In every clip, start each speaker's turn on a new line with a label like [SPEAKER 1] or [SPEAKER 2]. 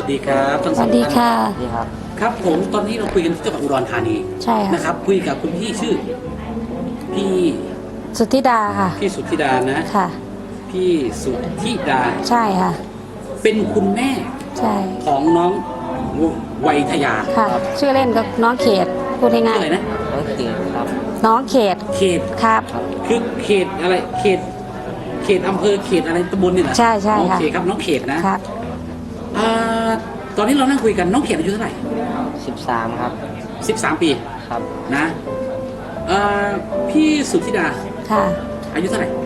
[SPEAKER 1] ดีครับทั้ง
[SPEAKER 2] ส
[SPEAKER 1] สอ
[SPEAKER 2] วั
[SPEAKER 1] ง
[SPEAKER 2] สดี
[SPEAKER 1] ท่าน
[SPEAKER 2] ค่ะ
[SPEAKER 3] นี่ครับ
[SPEAKER 1] ครับผมตอนนี้เราคุยกันที่จังหวัดอุดรธานี
[SPEAKER 2] ใช่ค่ะ
[SPEAKER 1] นะครับคุยกับคุณพี่ชื่อพี่
[SPEAKER 2] สุทธิดาค่ะ
[SPEAKER 1] พี่สุทธิดานะ
[SPEAKER 2] ค่ะ
[SPEAKER 1] พี่สุทธิดา
[SPEAKER 2] ใช่ค่ะ
[SPEAKER 1] เป็นคุณแม่
[SPEAKER 2] ใช่
[SPEAKER 1] ของน้องวัยทยา
[SPEAKER 2] ค่ะ ชื่อเล่นก็น้องเขตพูด
[SPEAKER 1] ชื่อ
[SPEAKER 2] ง่าย
[SPEAKER 1] อะไรนะ
[SPEAKER 3] น้องเกียรติครับ
[SPEAKER 2] ๆน้องเขต
[SPEAKER 1] เขต
[SPEAKER 2] ครับ
[SPEAKER 1] คือเขตอะไรเขตอำเภอเขตอะไรตำบลนี่เหรอ
[SPEAKER 2] ใช่ใช่
[SPEAKER 1] โอ
[SPEAKER 2] ค่ะ
[SPEAKER 1] เคครับน้องเขตนะครับ อ่าตอนนี้เรานั่งคุยกันน้องเขตอายุเท่าไหร่
[SPEAKER 3] 13 ครับ
[SPEAKER 1] 13 ปี
[SPEAKER 3] ครับ
[SPEAKER 1] นะพี่สุทธิดา
[SPEAKER 2] ค่ะ
[SPEAKER 1] อายุเท่าไหร่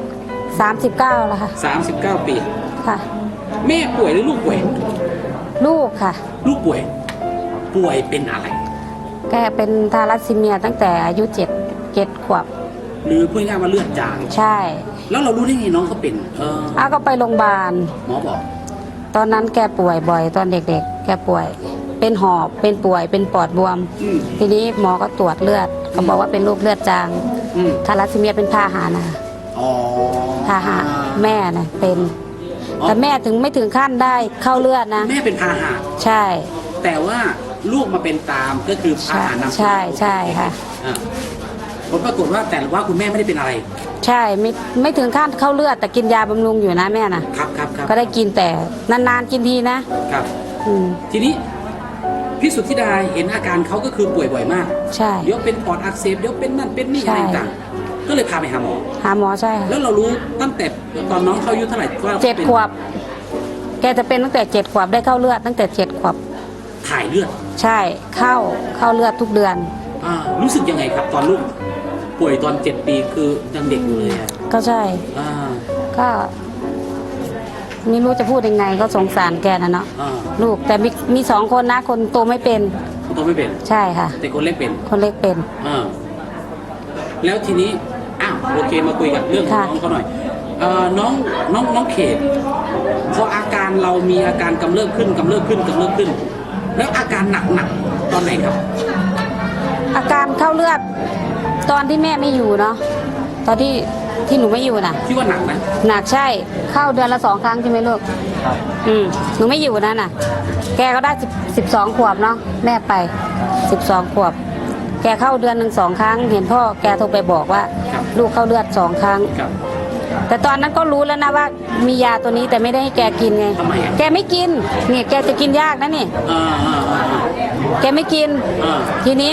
[SPEAKER 2] 39แล้วค่ะ
[SPEAKER 1] 39 ปี
[SPEAKER 2] ค่ะ
[SPEAKER 1] แม่ป่วยหรือลูกป่วย
[SPEAKER 2] ลูกค่ะ
[SPEAKER 1] ลูกป่วย ป่วยเป็นอะไร
[SPEAKER 2] แกเป็นทาลัสซีเมียตั้งแต่อายุ7 ขวบ
[SPEAKER 1] หรือพูดง่ายๆว่าเลือดจาง
[SPEAKER 2] ใช่
[SPEAKER 1] แล้วเรารู้ได้ไงน้องเขาเป็น
[SPEAKER 2] อ้าก็ไปโรงพยาบาล
[SPEAKER 1] หมอบอก
[SPEAKER 2] ตอนนั้นแกป่วยบ่อยตอนเด็กๆ แกป่วย เป็นหอบ เป็นป่วย เป็นปอดบวม
[SPEAKER 1] อืม
[SPEAKER 2] ทีนี้หมอก็ตรวจเลือดเขาบอกว่าเป็นโรคเลือดจาง
[SPEAKER 1] อืม
[SPEAKER 2] ทาลัสซีเมียเป็นพาหะนะ
[SPEAKER 1] อ๋อ
[SPEAKER 2] พาหะแม่นะเป็น
[SPEAKER 1] อ๋อ
[SPEAKER 2] แต่แม่ถึงไม่ถึงขั้นได้เข้าเลือดนะ
[SPEAKER 1] แม่เป็นพาหะ
[SPEAKER 2] ใช่
[SPEAKER 1] แต่ว่าลูกมาเป็นตามก็คือพา
[SPEAKER 2] ใช่
[SPEAKER 1] หะนำ
[SPEAKER 2] ใช่ใช่ค่ะ
[SPEAKER 1] อ่าผลปรากฏว่าแต่ว่าคุณแม่ไม่ได้เป็นอะไร
[SPEAKER 2] ใช่ไม่ถึงขั้นเข้าเลือดแต่กินยาบำรุงอยู่นะแม่นะครับ
[SPEAKER 1] ครับ
[SPEAKER 2] ก็ได้กินแต่นานๆกินทีนะครับ อืม
[SPEAKER 1] ทีนี้พี่สุทธิดาเห็นอาการเขาก็คือป่วยบ่อยมาก
[SPEAKER 2] ใช่
[SPEAKER 1] เดี๋ยวเป็นปอดอักเสบเดี๋ยวเป็นนั่นเป็นนี่
[SPEAKER 2] ใช่
[SPEAKER 1] อะไรต่างๆก็เลยพาไปหาหมอ
[SPEAKER 2] หาหมอใช่ค่ะ
[SPEAKER 1] แล้วเรารู้ตั้งแต่ตอนน้องเขาอายุเท่าไหร่ว่า
[SPEAKER 2] 7
[SPEAKER 1] ป็น
[SPEAKER 2] ขวบ แกจะเป็นตั้งแต่7 ขวบได้เข้าเลือดตั้งแต่7 ขวบ
[SPEAKER 1] ถ่ายเลือด
[SPEAKER 2] ใช่เข้าเลือดทุกเดือน
[SPEAKER 1] รู้สึกยังไงครับ ตอนลูกป่วยตอน7 ปีคือยังเด็กอยู่เลยอะ
[SPEAKER 2] ก็ใช่
[SPEAKER 1] อ่า
[SPEAKER 2] ก็ไม่รู้จะพูดยังไงก็สงสารแกนะเนาะ
[SPEAKER 1] อ่า
[SPEAKER 2] ลูกแต่มี2 คนนะคนโตไม่เป็น
[SPEAKER 1] คนโตไม่เป็น
[SPEAKER 2] ใช่ค่ะ
[SPEAKER 1] แต่คนเล็กเป็น
[SPEAKER 2] คนเล็กเป็น
[SPEAKER 1] อ่าแล้วทีนี้โอเคมาคุยกันเรื่องของ
[SPEAKER 2] ค่ะ
[SPEAKER 1] น้องเขาหน่อยน้องเขตพออาการเรามีอาการกำเริบขึ้น แล้วอาการหนักตอนไหนครับ
[SPEAKER 2] อาการเข้าเลือดตอนที่แม่ไม่อยู่เนาะตอนที่หนูไม่อยู่น่ะ
[SPEAKER 1] ที่ว่าหนักนะ
[SPEAKER 2] หนักใช่เข้าเดือนละ2 ครั้งใช่ไหมลูก
[SPEAKER 3] ครับ
[SPEAKER 2] หนูไม่อยู่นั่นน่ะ แกก็ได้12 ขวบเนาะแม่ไป12 ขวบ แกเข้าเดือนหนึ่ง2 ครั้ง เห็นพ่อแกโทรไปบอกว่า
[SPEAKER 1] ครับ
[SPEAKER 2] ลูกเข้าเลือด2 ครั้ง
[SPEAKER 1] ครับ
[SPEAKER 2] แต่ตอนนั้นก็รู้แล้วนะว่ามียาตัวนี้แต่ไม่ได้ให้แกกินไง
[SPEAKER 1] ทำไมอ่ะ
[SPEAKER 2] แกไม่กินเนี่ยแกจะกินยากนะนี่
[SPEAKER 1] อ่าอ่าอ่า
[SPEAKER 2] แกไม่กิน
[SPEAKER 1] อ่า
[SPEAKER 2] ทีนี้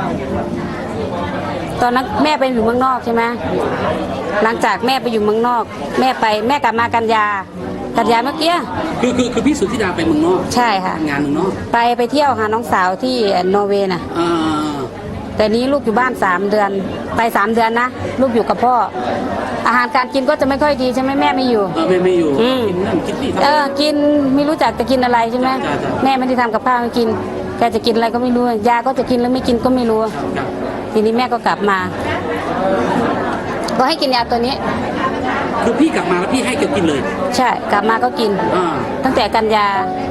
[SPEAKER 2] ตอนนั้นแม่ไปอยู่เมืองนอกใช่ไหมหลังจากแม่ไปอยู่เมืองนอก แม่กลับมากันยาเมื่อกี้
[SPEAKER 1] คือพี่สุทธิดาไปเมืองนอก
[SPEAKER 2] ใช่ค่ะ
[SPEAKER 1] ทำงานเมืองนอก
[SPEAKER 2] ไปเที่ยวหาน้องสาวที่นอร์เวย์น่ะ
[SPEAKER 1] อ่า
[SPEAKER 2] แต่นี้ลูกอยู่บ้าน3 เดือน ไป3 เดือนนะลูกอยู่กับพ่อ อาหารการกินก็จะไม่ค่อยดีใช่ไหมแม่ไม่อยู่
[SPEAKER 1] ไม่อยู่
[SPEAKER 2] อืม
[SPEAKER 1] กินนั่นกินนี่
[SPEAKER 2] กินไม่รู้จักจะกินอะไรใช่ไหม
[SPEAKER 1] จ้ะ
[SPEAKER 2] แม่ไม่ได้ทำกับข้าวให้กินแกจะกินอะไรก็ไม่รู้ยาก็จะกินหรือไม่กินก็ไม่รู้
[SPEAKER 1] ครับ
[SPEAKER 2] ทีนี้แม่ก็กลับมา ก็ให้กินยาตัวนี้
[SPEAKER 1] คือพี่กลับมาแล้วพี่ให้แกกินเลย
[SPEAKER 2] ใช่กลับมาก็กิน
[SPEAKER 1] อ่า
[SPEAKER 2] ตั้งแต่กันย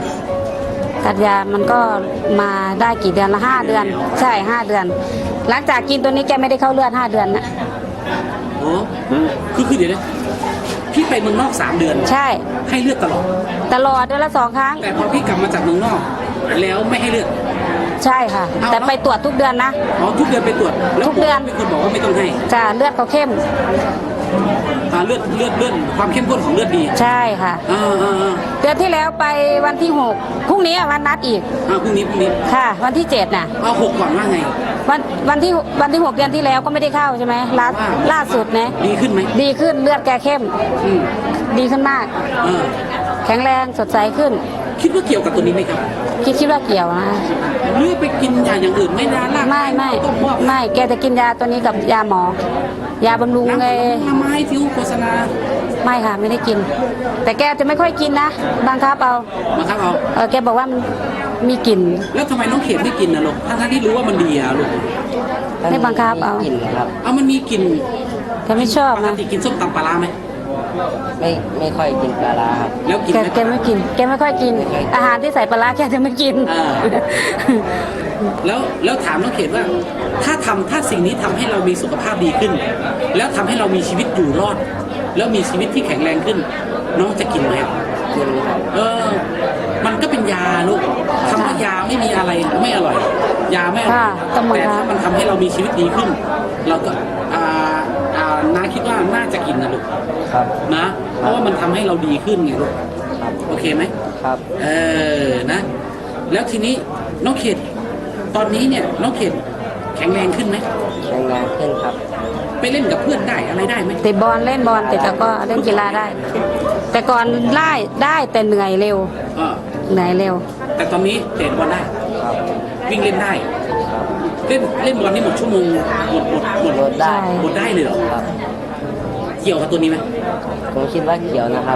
[SPEAKER 2] มันก็มาได้กี่เดือนละ5 เดือน ใช่5 เดือน หลังจากกินตัวนี้แกไม่ได้เข้าเลือด5 เดือนนะ
[SPEAKER 1] โอ้คือเดี๋ยวนะพี่ไปเมืองนอก 3 เดือน
[SPEAKER 2] ใช่
[SPEAKER 1] ให้เลือดตลอด
[SPEAKER 2] ตลอดเดือนละ2 ครั้ง
[SPEAKER 1] แต่พอพี่กลับมาจากเมืองนอก แล้วไม่ให้เลือด
[SPEAKER 2] ใช่ค่ะ
[SPEAKER 1] เอา
[SPEAKER 2] แต่ไปตรวจทุกเดือนนะ
[SPEAKER 1] ทุกเดือนไปตรวจแล้ว
[SPEAKER 2] ทุกเดือน
[SPEAKER 1] เป็นคนบอกว่าไม่ต้องให้
[SPEAKER 2] จ้าเลือดเขาเข้ม
[SPEAKER 1] เลือดความเข้มข้นของเลือดดี
[SPEAKER 2] ใช่ค่ะ
[SPEAKER 1] อ่า
[SPEAKER 2] เดือนที่แล้วไปวันที่6พรุ่งนี้วันนัดอีก
[SPEAKER 1] พรุ่งนี้
[SPEAKER 2] ค่ะ วันที่7น่ะ
[SPEAKER 1] เอา6ก่อนว่าไง
[SPEAKER 2] วันที่ 6 เดือนที่แล้วก็ไม่ได้เข้าใช่ไหมล่าสุดนะ
[SPEAKER 1] ดีขึ้นไหม
[SPEAKER 2] ดีขึ้นเลือดแกเข้ม
[SPEAKER 1] อืม
[SPEAKER 2] ดีขึ้นมาก
[SPEAKER 1] อ่า
[SPEAKER 2] แข็งแรงสดใสขึ้น
[SPEAKER 1] คิดว่าเกี่ยวกับตัวนี้ไหมครับ
[SPEAKER 2] คิดว่าเกี่ยวนะ
[SPEAKER 1] หรือไปกินยาอย่างอื่นไม่นานล่ะ
[SPEAKER 2] ไม่แกจะกินยาตัวนี้กับยาหมอ ยาบำรุง
[SPEAKER 1] น้ำ
[SPEAKER 2] ไง
[SPEAKER 1] ไม้ที่โฆษณา
[SPEAKER 2] ไม่ค่ะไม่ได้กิน แต่แกจะไม่ค่อยกินนะบังคับเอา
[SPEAKER 1] มาครับเอา
[SPEAKER 2] แกบอกว่ามันมีกลิ่น
[SPEAKER 1] แล้วทำไมน้องเขตไม่กินนะลูกทั้งที่รู้ว่ามันดีอะลูก
[SPEAKER 2] ไม่บังคับเอา
[SPEAKER 3] กลิ่นครับ
[SPEAKER 1] เอามันมีกลิ่น
[SPEAKER 2] แกไม่ชอบ
[SPEAKER 1] ปก
[SPEAKER 2] นะ
[SPEAKER 1] ติกินส้มตำปลาร้าไหม
[SPEAKER 3] ไม่ค่อยกินปลาร้าครับ
[SPEAKER 1] แล้วกิน
[SPEAKER 2] แก
[SPEAKER 1] ไหม
[SPEAKER 2] แกไม่กิน แกไม่ค่อยกิน อาหารที่ใส่ปลาร้าแกจะไม่กิน
[SPEAKER 1] อ่า แล้วถามน้องเขตว่า ถ้าสิ่งนี้ทำให้เรามีสุขภาพดีขึ้น แล้วทำให้เรามีชีวิตอยู่รอด แล้วมีชีวิตที่แข็งแรงขึ้น น้องจะกินไหม
[SPEAKER 3] กินครับ
[SPEAKER 1] เออมันก็เป็นยาลูกคำว่ายาไม่มีอะไรไม่อร่อย ยาไม่อร่อย
[SPEAKER 2] ค่ะตำรวจ
[SPEAKER 1] แต่ถ้ามันทำให้เรามีชีวิตดีขึ้น เราก็น้าคิดว่าน่าจะกินนะลูก
[SPEAKER 3] ครับ
[SPEAKER 1] นะ เพราะว่ามันทำให้เราดีขึ้นไงลูก
[SPEAKER 3] ครับ
[SPEAKER 1] โอเคไหม
[SPEAKER 3] ครับ
[SPEAKER 1] นะ แล้วทีนี้น้องเขตตอนนี้เนี่ยน้องเขตแข็งแรงขึ้นไหม
[SPEAKER 3] แข็งแรงขึ้นครับ
[SPEAKER 1] ไปเล่นกับเพื่อนได้อะไรได้ไหม
[SPEAKER 2] เตะบอลเล่นบอลแต่ก็เล่นกีฬาได้ แต่ก่อนได้แต่เหนื่อยเร็ว
[SPEAKER 1] อ่า
[SPEAKER 2] เหนื่อยเร็ว
[SPEAKER 1] แต่ตอนนี้เตะบอลได้
[SPEAKER 3] ครับ
[SPEAKER 1] วิ่งเล่นได้
[SPEAKER 3] ครับ
[SPEAKER 1] เล่นบอลนี่หมดชั่วโมงหมด
[SPEAKER 3] ลดได้
[SPEAKER 1] หมดได้เลยเหรอ
[SPEAKER 3] ครับ
[SPEAKER 1] เกี่ยวกับตัวนี้ไหม
[SPEAKER 3] ผมคิดว่าเกี่ยวนะครับ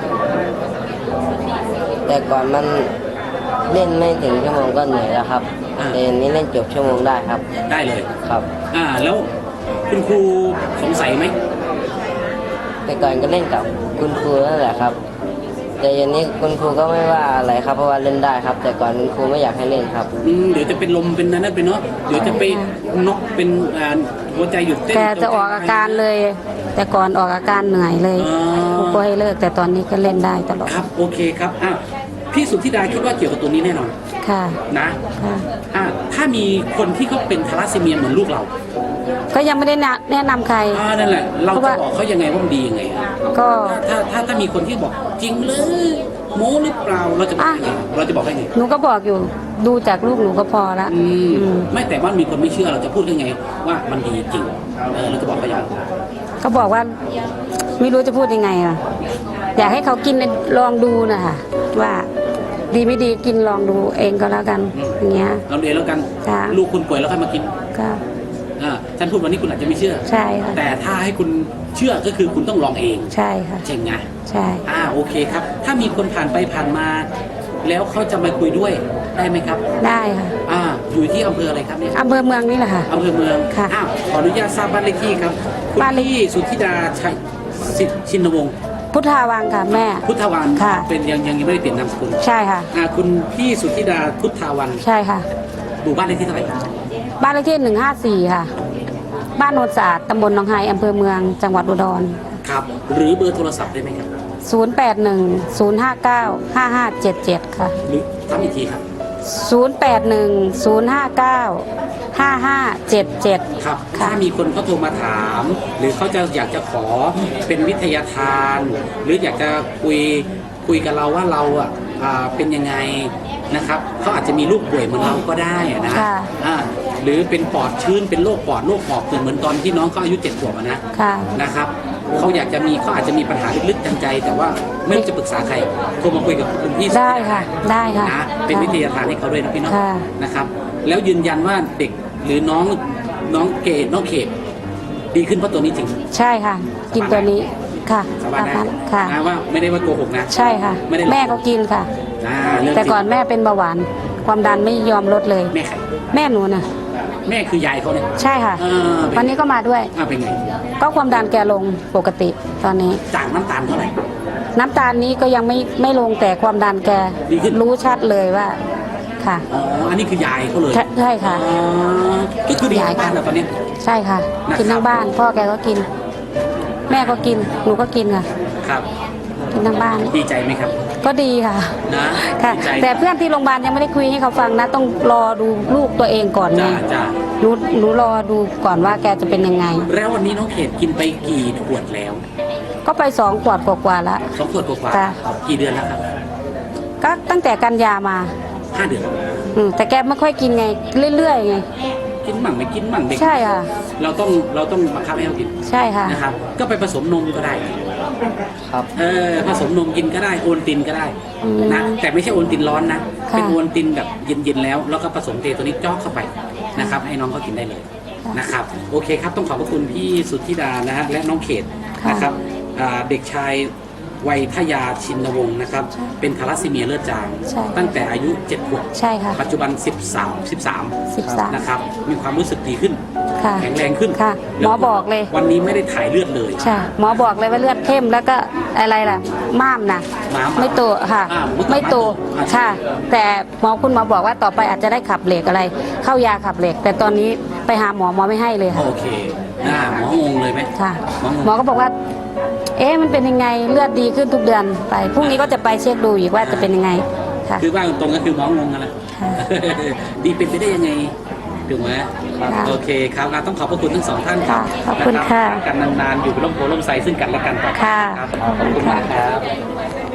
[SPEAKER 3] แต่ก่อนมันเล่นไม่ถึงชั่วโมงก็เหนื่อยแล้วครับแต่อันนี้เล่นจบชั่วโมงได้ครับ
[SPEAKER 1] ได้เลย
[SPEAKER 3] ครับ
[SPEAKER 1] แล้วคุณครูสงสัยไหม
[SPEAKER 3] แต่ก่อนก็เล่นกับคุณครูนั่นแหละครับ แต่อันนี้คุณครูก็ไม่ว่าอะไรครับเพราะว่าเล่นได้ครับ แต่ก่อนคุณครูไม่อยากให้เล่นครับ
[SPEAKER 1] เดี๋ยวจะเป็นลมเป็นนั่นไปเนาะเดี๋ยวจะไปน็อกเป็นหัวใจหยุดเต้น
[SPEAKER 2] แกจะออกอาการเลย แต่ก่อนออกอาการเหนื่อยเลยครูก็ให้เลิกแต่ตอนนี้ก็เล่นได้ตลอด
[SPEAKER 1] ครับโอเคครับพี่สุทธิดาคิดว่าเกี่ยวกับตัวนี้แน่นอน
[SPEAKER 2] ค่ะ
[SPEAKER 1] นะ
[SPEAKER 2] ค่ะ
[SPEAKER 1] ถ้ามีคนที่เขาเป็นทาลัสซีเมียเหมือนลูกเรา
[SPEAKER 2] ก็ยังไม่ได้แนะนำใคร
[SPEAKER 1] นั่นแหละเรา
[SPEAKER 2] เพราะ
[SPEAKER 1] จะ
[SPEAKER 2] ว่า
[SPEAKER 1] บอกเขายังไงว่ามันดียังไง
[SPEAKER 2] ก็
[SPEAKER 1] ถ้ามีคนที่บอกจริงเลยโม้หรือเปล่าเราจะบอกยังไงเราจะบอกให้ไง
[SPEAKER 2] หนูก็บอกอยู่ดูจากลูกหนูก็พอละ
[SPEAKER 1] ไม่แต่ว่ามีคนไม่เชื่อเราจะพูดยังไง ว่ามันดีจริงเราจะบอกเขาอย่างไร
[SPEAKER 2] ก็บอกว่าไม่รู้จะพูดยังไงอ่ะอยากให้เขากินลองดูนะคะว่าดีไม่ดีกินลองดูเองก็แล้วกันอย่างเงี้ย
[SPEAKER 1] เราเรียนแล้วกัน
[SPEAKER 2] ค่ะ
[SPEAKER 1] ลูกคุณป่วยแล้วค่อยมากิน
[SPEAKER 2] ก็
[SPEAKER 1] ฉันพูดวันนี้คุณอาจจะไม่เชื่อ
[SPEAKER 2] ใช่ค่ะ
[SPEAKER 1] แต่ถ้าให้คุณเชื่อก็คือคุณต้องลองเอง
[SPEAKER 2] ใช่ค่ะ
[SPEAKER 1] เจ๋งไง
[SPEAKER 2] ใช่
[SPEAKER 1] โอเคครับ ถ้ามีคนผ่านไปผ่านมา แล้วเขาจะมาคุยด้วยได้ไหมครับ
[SPEAKER 2] ได้ค่ะ
[SPEAKER 1] อยู่ที่อำเภออะไรครับเนี่ย
[SPEAKER 2] อำเภอเมืองนี่แหละค่ะ
[SPEAKER 1] อำเภอเมือง
[SPEAKER 2] ค่ะ
[SPEAKER 1] ขออนุญาตทราบบ้านเลขที่ครับคุณ
[SPEAKER 2] บ้านเลข
[SPEAKER 1] พี่สุทธิดาชัยชินวงศ์
[SPEAKER 2] พุทธาวังค่ะแม่
[SPEAKER 1] พุทธวัน
[SPEAKER 2] ค่ะ
[SPEAKER 1] เป็นยังไม่ได้เปลี่ยนนามสกุล
[SPEAKER 2] ใช่ค่ะ
[SPEAKER 1] คุณพี่สุทธิดาพุทธาวัน
[SPEAKER 2] ใช่ค่ะ
[SPEAKER 1] หมู่บ้านเลขที่เท่าไหร่
[SPEAKER 2] บ้านเลขที่154ค่ะ บ้านโนนศาสตร์ตำบลหนองไฮอำเภอเมืองจังหวัดอุดร
[SPEAKER 1] ครับ หรือเบอร์โทรศัพท์ได้ไหมครับ
[SPEAKER 2] 0810595577ค่ะ
[SPEAKER 1] หรือทำอีกทีครับ
[SPEAKER 2] 0810595577
[SPEAKER 1] ครับ
[SPEAKER 2] ค่ะ
[SPEAKER 1] ถ้ามีคนเขาโทรมาถาม หรือเขาจะอยากจะขอเป็นวิทยาทาน หรืออยากจะคุยกับเราว่าเราเป็นยังไงนะครับเขาอาจจะมีลูกป่วยเหมือนเราก็ได้นะ
[SPEAKER 2] ค่ะ
[SPEAKER 1] หรือเป็นปอดชื้นเป็นโรคปอดโรคหอบเหมือนตอนที่น้องเขาอายุ7 ขวบนะ
[SPEAKER 2] ค่ะ
[SPEAKER 1] นะครับเขาอยากจะมีเขาอาจจะมีปัญหาลึกๆทางใจ แต่ว่าไม่รู้จะปรึกษาใครโทรมาคุยกับคุณพี่
[SPEAKER 2] ได้ค่ะ ได้ค่ะ
[SPEAKER 1] นะเป็นวิทยาทานให้เขาด้วยนะพี่น้อง
[SPEAKER 2] ค่ะ
[SPEAKER 1] นะครับ แล้วยืนยันว่าเด็กหรือน้องเกดน้องเขตดีขึ้นเพราะตัวนี้จริง
[SPEAKER 2] ใช่ค่ะ กินตัวนี้ค่ะ
[SPEAKER 1] สบายได้
[SPEAKER 2] ค่ะ
[SPEAKER 1] นะว่าไม่ได้ว่าโกหกนะ
[SPEAKER 2] ใช่ค่ะ
[SPEAKER 1] ไม่ได้หลอก
[SPEAKER 2] แม่ก็กินค่ะ
[SPEAKER 1] เรื่องจริง
[SPEAKER 2] แต่ก่อนแม่เป็นเบาหวาน ความดันไม่ยอมลดเลย
[SPEAKER 1] แม่ใคร
[SPEAKER 2] แม่หนูน่ะ
[SPEAKER 1] แม่คือยายเขาเนี่ย
[SPEAKER 2] ใช่ค่ะ
[SPEAKER 1] เป็น
[SPEAKER 2] วันนี้ก็มาด้วย
[SPEAKER 1] เป็นไง
[SPEAKER 2] ก็ความดันแกลงปกติตอนนี้
[SPEAKER 1] จากน้ำตาลเท่าไหร่
[SPEAKER 2] น้ำตาลนี้ก็ยังไม่ลงแต่ความดันแก
[SPEAKER 1] ดีขึ้น
[SPEAKER 2] รู้ชัดเลยว่าค่ะ
[SPEAKER 1] อันนี้คือยายเขาเลย
[SPEAKER 2] ใช่ค่ะ
[SPEAKER 1] ก็คือดีบ้านเราตอนนี้
[SPEAKER 2] ใช่ค่ะ
[SPEAKER 1] นะครับ
[SPEAKER 2] กินทั้งบ้าน พ่อแกก็กิน แม่ก็กินหนูก็กินค่ะ
[SPEAKER 1] ครับ
[SPEAKER 2] กินทั้งบ้าน
[SPEAKER 1] ดีใจไหมครับ
[SPEAKER 2] ก็ดีค่ะ
[SPEAKER 1] นะ
[SPEAKER 2] ค่ะ
[SPEAKER 1] ดีใจ
[SPEAKER 2] แต่เพื่อนที่โรงพยาบาลยังไม่ได้คุยให้เขาฟังนะ ต้องรอดูลูกตัวเองก่อนไง
[SPEAKER 1] จ้า
[SPEAKER 2] หนูรอดูก่อนว่าแกจะเป็นยังไง
[SPEAKER 1] แล้ววันนี้น้องเขตกินไปกี่ขวดแล้ว
[SPEAKER 2] ก็ไป2 ขวดกว่าๆแล้ว
[SPEAKER 1] 2 ขวดกว่า
[SPEAKER 2] ค่ะ
[SPEAKER 1] ๆกี่เดือนแล้วครับ
[SPEAKER 2] ก็ตั้งแต่กันยามา
[SPEAKER 1] 5 เดือน
[SPEAKER 2] แต่แกไม่ค่อยกินไง เรื่อยๆไง
[SPEAKER 1] กินมั่งไม่กินมั่งเด็ก
[SPEAKER 2] ใช่ค่ะ
[SPEAKER 1] เราต้องบังคับให้เขากิน
[SPEAKER 2] ใช่ค่ะ
[SPEAKER 1] นะครับ ก็ไปผสมนมก็ได้
[SPEAKER 3] ครับ
[SPEAKER 1] ผสมนมกินก็ได้โอนตินก็ได้
[SPEAKER 2] อืม
[SPEAKER 1] นะแต่ไม่ใช่โอนตินร้อนนะ
[SPEAKER 2] ค่ะ
[SPEAKER 1] เป็นโอนตินแบบเย็นๆแล้วแล้วก็ผสมเทตัวนี้จอกเข้าไปนะครับให้น้องเขากินได้เลย
[SPEAKER 2] ค่ะ
[SPEAKER 1] นะครับโอเคครับต้องขอบพระคุณพี่สุทธิดานะฮะและน้องเขต
[SPEAKER 2] ค่ะ
[SPEAKER 1] นะครับเด็กชายวัยทยาชินวงศ์นะครับเป็นทาลัสซีเมียเลือดจาง
[SPEAKER 2] ใช่
[SPEAKER 1] ตั้งแต่อายุ7 ขวบ
[SPEAKER 2] ใช่ค่ะ
[SPEAKER 1] ปัจจุบัน13 นะครับมีความรู้สึกดีขึ้น
[SPEAKER 2] ค่ะ
[SPEAKER 1] แข็งแรงขึ้น
[SPEAKER 2] ค่ะหมอบอกเลย
[SPEAKER 1] วันนี้ไม่ได้ถ่ายเลือดเลย
[SPEAKER 2] ใช่หมอบอกเลยว่าเลือดเข้มแล้วก็อะไรล่ะม้ามนะ
[SPEAKER 1] ม้าม
[SPEAKER 2] ไม่โตค่ะ
[SPEAKER 1] เมื่อก่อน
[SPEAKER 2] ไม่โต
[SPEAKER 1] ม้ามโต
[SPEAKER 2] ค่ะ แต่คุณหมอบอกว่าต่อไปอาจจะได้ขับเหล็กอะไร เข้ายาขับเหล็ก แต่ตอนนี้ไปหาหมอไม่ให้เลยค่ะ
[SPEAKER 1] โอเคหมองงเลยไหม
[SPEAKER 2] ค่ะ
[SPEAKER 1] หมองง
[SPEAKER 2] หมอก็บอกว่า มันเป็นยังไงเลือดดีขึ้นทุกเดือนไปพรุ่งนี้ก็จะไปเช็คดูอีกว่าจะเป็นยังไงค่ะ
[SPEAKER 1] คือว่าตรงๆก็คือหมองงกันแหละ
[SPEAKER 2] ค่ะ
[SPEAKER 1] ดีเป็นไปได้ยังไงถูกไหม
[SPEAKER 2] ครับ
[SPEAKER 1] โอเคครับต้องขอบพระคุณทั้งสองท่านครับ
[SPEAKER 2] ค่ะขอบคุณค่ะ
[SPEAKER 1] กันนานๆอยู่เป็นร่มโพล่มไทรซึ่งกันและกันต่อไป
[SPEAKER 2] ค่ะ
[SPEAKER 1] ครับขอบคุณมากครับ